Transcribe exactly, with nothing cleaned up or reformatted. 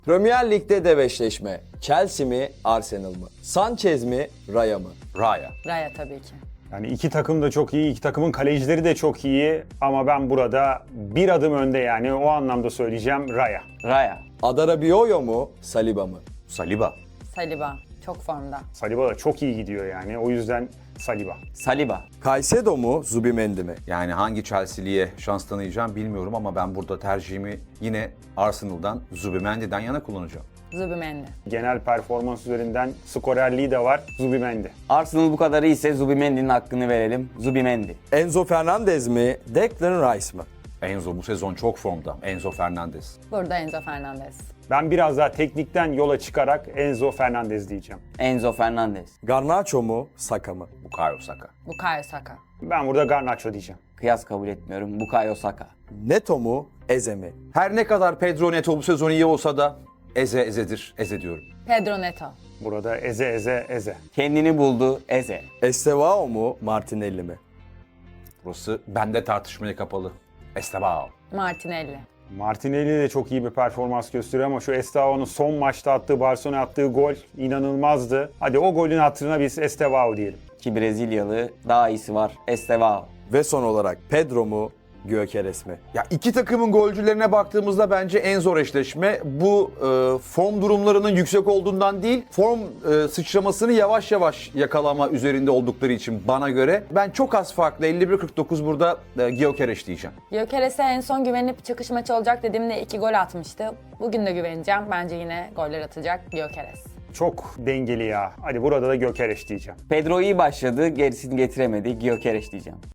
Premier Lig'de dev eşleşme. Chelsea mi, Arsenal mı? Sanchez mi, Raya mı? Raya. Raya tabii ki. Yani iki takım da çok iyi, iki takımın kalecileri de çok iyi ama ben burada bir adım önde, yani o anlamda söyleyeceğim Raya. Raya. Adarabioyo mu, Saliba mı? Saliba. Saliba çok formda. Saliba da çok iyi gidiyor yani, o yüzden Saliba. Saliba. Caicedo mu, Zubimendi mi? Yani hangi Chelsea'liye şans tanıyacağım bilmiyorum ama ben burada tercihimi yine Arsenal'dan, Zubimendi'den yana kullanacağım. Zubimendi. Genel performans üzerinden skorerliği de var Zubimendi. Arsenal bu kadar iyiyse Zubimendi'nin hakkını verelim. Zubimendi. Enzo Fernandez mi, Declan Rice mı? Enzo bu sezon çok formda. Enzo Fernandez. Burada Enzo Fernandez. Ben biraz daha teknikten yola çıkarak Enzo Fernandez diyeceğim. Enzo Fernandez. Garnacho mu, Saka mı? Bukayo Saka. Bukayo Saka. Ben burada Garnacho diyeceğim. Kıyas kabul etmiyorum. Bukayo Saka. Neto mu, Eze mi? Her ne kadar Pedro Neto bu sezon iyi olsa da Eze Eze'dir. Eze diyorum. Pedro Neto. Burada Eze Eze Eze. Kendini buldu. Eze. Estevao mu, Martinelli mi? Burası bende tartışmaya kapalı. Estebao. Martinelli. Martinelli de çok iyi bir performans gösteriyor ama şu Estevao'nun son maçta attığı, Barcelona'ya attığı gol inanılmazdı. Hadi o golün hatırına biz Estevao diyelim. Ki Brezilyalı. Daha iyisi var. Estevao. Ve son olarak Pedro mu, Gyökeres mi? Ya iki takımın golcülerine baktığımızda bence en zor eşleşme. Bu e, form durumlarının yüksek olduğundan değil, form e, sıçramasını yavaş yavaş yakalama üzerinde oldukları için bana göre. Ben çok az farklı elli bir kırk dokuz burada e, Gyökeres diyeceğim. Gyökeres'e en son güvenip çıkış maçı olacak dediğimde iki gol atmıştı. Bugün de güveneceğim. Bence yine goller atacak Gyökeres. Çok dengeli ya. Hadi burada da Gyökeres diyeceğim. Pedro iyi başladı. Gerisini getiremedi. Gyökeres diyeceğim.